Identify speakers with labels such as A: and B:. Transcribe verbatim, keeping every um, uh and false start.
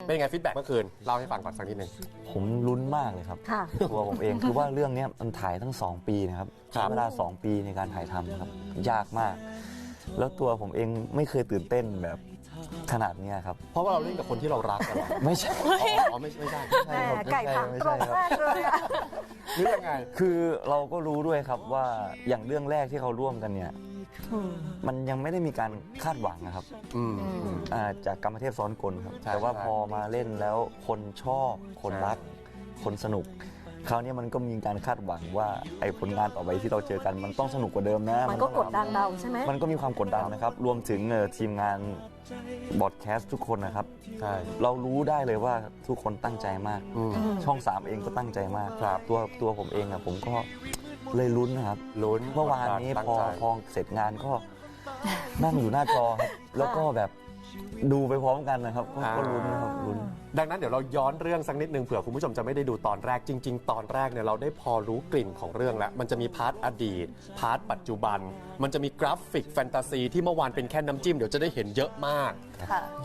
A: เป็นยังไงฟีดแบ็กเมื่อคืนเล่าให้ฟังก่อนสักนิดหนึ่ง
B: ผมลุ้นมากเลยครับ
C: ค่ะ
B: ตัวผมเองคือว่าเรื่องนี้มันถ่ายทั้งสองปีนะครับใช้เวลาสองปีในการถ่ายทำนะครับยากมาก แล้วตัวผมเองไม่เคยตื่นเต้นแบบขนาดนี้ครับ
A: เพราะว่าเราเล่นกับคนที่เรารักกันหรอ
B: ไม่ใช่
A: อ๋อไม่ไม่ใช่
C: แหมไก่ผังตรงมากเลยอะ
A: หรือยังไง
B: คือเราก็รู้ด้วยครับว่าอย่างเรื่องแรกที่เขาร่วมกันเนี่ย
C: อืม
B: มันยังไม่ได้มีการคาดหวังนะครับ
A: อืม
C: อืม
B: อ่าจากกรรมเทพซ้อนกลครับ
A: ใช่
B: แต่ว่า
A: ใช่
B: พอมาเล่นแล้วคนชอบคนรัก คนสนุกคราวนี้มันก็มีการคาดหวังว่าไอ้ผลงานต่อไปที่เราเจอกันมันต้องสนุกกว่าเดิมนะ
C: มันก็กดดันเราใช่ไหม
B: มันก็มีความกดดันนะครับ รวมถึงเอ่อทีมงานบอดแคสต์ทุกคนนะครับ
A: ใช่
B: เรารู้ได้เลยว่าทุกคนตั้งใจมาก
A: อืม
B: ช่องสามเองก็ตั้งใจมาก
A: ครับ
B: ตัวตัวผมเองอะผมก็เลยลุ้นนะครับ
A: ลุ้น
B: เมื่อวานนี้
A: ตั้ง
B: พอ
A: ใจ
B: พอเสร็จงานก็ นั่งอยู่หน้าจอครับแล้วก็แบบดูไปพร้อมกันนะครับก็ก็ลุ้นนะครับลุ้น
A: ดังนั้นเดี๋ยวเราย้อนเรื่องสักนิดนึงเผื่อคุณผู้ชมจะไม่ได้ดูตอนแรกจริง ๆ ตอนแรกเนี่ยเราได้พอรู้กลิ่นของเรื่องแล้วมันจะมีพาร์ทอดีตพาร์ทปัจจุบัน มันจะมีกราฟิกแฟนตาซีที่เมื่อวานเป็นแค่น้ำจิ้มเดี๋ยวจะได้เห็นเยอะมาก
C: ค่ะ